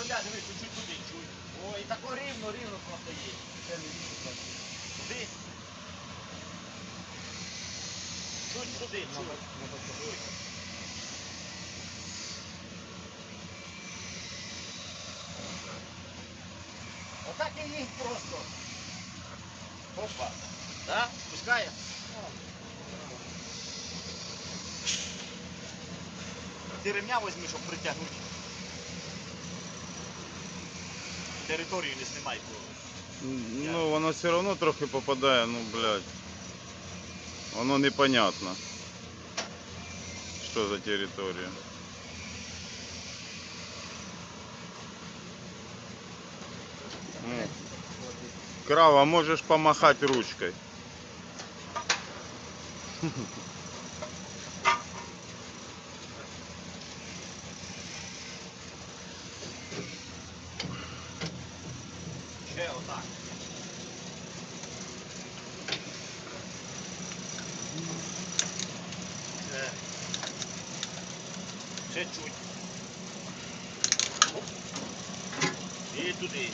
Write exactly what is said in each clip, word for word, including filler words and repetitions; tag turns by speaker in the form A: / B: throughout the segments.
A: робля, дивись, чуть-чуть туди, чуть. О, і тако рівно, рівно просто є. Це не віщо. Туди. Чуть туди, чуть. Отак і їх просто. Опа. Да? Пускає? Ти ремня візьми, щоб притягнути. Територію не знімай.
B: Ну, воно все одно трохи попадає, ну, блядь. Воно непонятно. Що за територія. Ну. Крава, можеш помахати ручкою.
A: Ще отак. Ще. Ще чуть. Оп. І туди.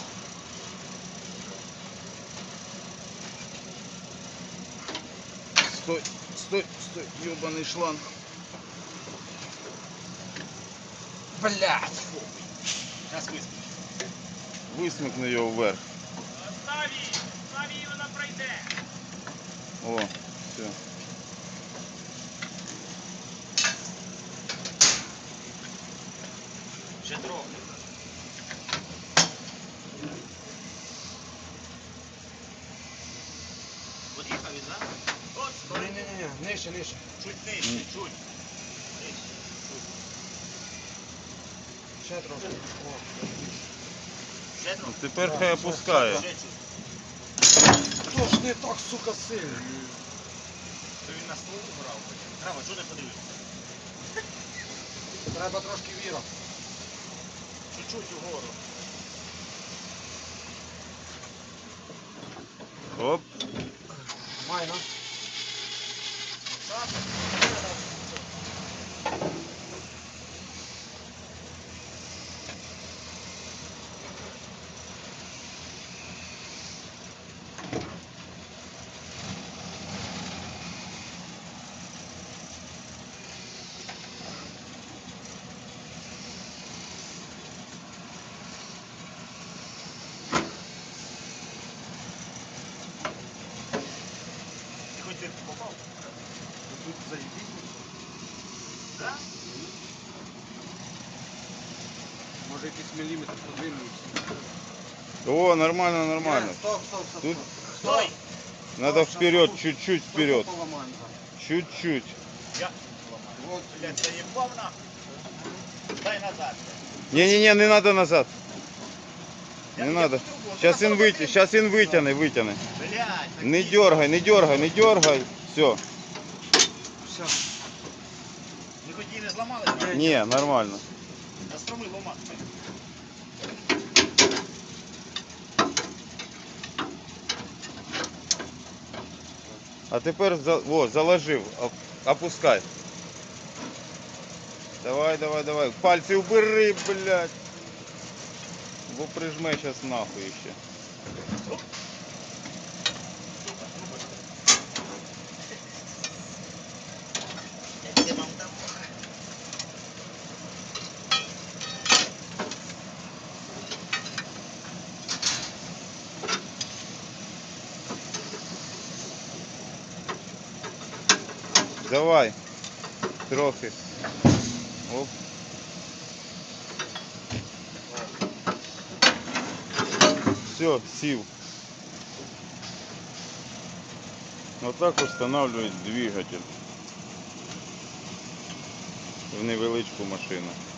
B: Стой, стой, стой, ёбаный шланг.
A: Блядь! Зараз вискочить.
B: Висмикни його вверх.
A: Став її! Став її, вона пройде!
B: О, все.
A: Ще трохи. Под'їхав він, да? От, стой.
C: Ні-ні-ні, нижче, нижче.
A: Чуть нижче,
B: Ні.
A: чуть. Нижче.
C: Ще трошки. О.
A: Ще трохи.
B: Тепер хай опускає.
A: Ще чуть.
C: Хто ж не так, сука, сильно?
A: То він на стол брав. Трава, чого не подивився?
C: Треба трошки віра.
A: Чуть-чуть угору.
B: Оп.
C: Майна.
A: Так. Ти хоч дирку попав?
C: Тут заїбіть.
A: Да?
C: Може якийсь міліметр подвинувся.
B: О, нормально, нормально.
C: Ні, Стоп, стоп, стоп,
B: Тут-
C: стоп.
A: Стой!
B: Надо вперед, чуть-чуть вперед.
C: Стоп, поламаємо зараз.
B: Чуть-чуть.
A: Я.
C: Вот.
A: Блядь, заебал нахуй. Дай назад.
B: Не-не-не, не надо назад.
A: Я-
B: Не
A: я
B: надо.
A: по-другому.
B: Сейчас
A: Ти
B: він
A: на
B: витягне,
A: сорок
B: сейчас він витягне, витягне.
A: Блядь, так
B: Не
A: ні.
B: дергай, не дергай, не дергай. Все.
C: Все.
A: Ми хоч її не зламали?
B: Не, нормально.
A: На строми ломати.
B: А тепер за, о, заложив, оп- опускай. Давай, давай, давай. Пальці убери, блядь. Бо прижме сейчас нахуй ще.
A: Я тебе вам дам.
B: Давай. Трохи. Оп. Все, сів. Вот так устанавливать двигатель в невеличку машину.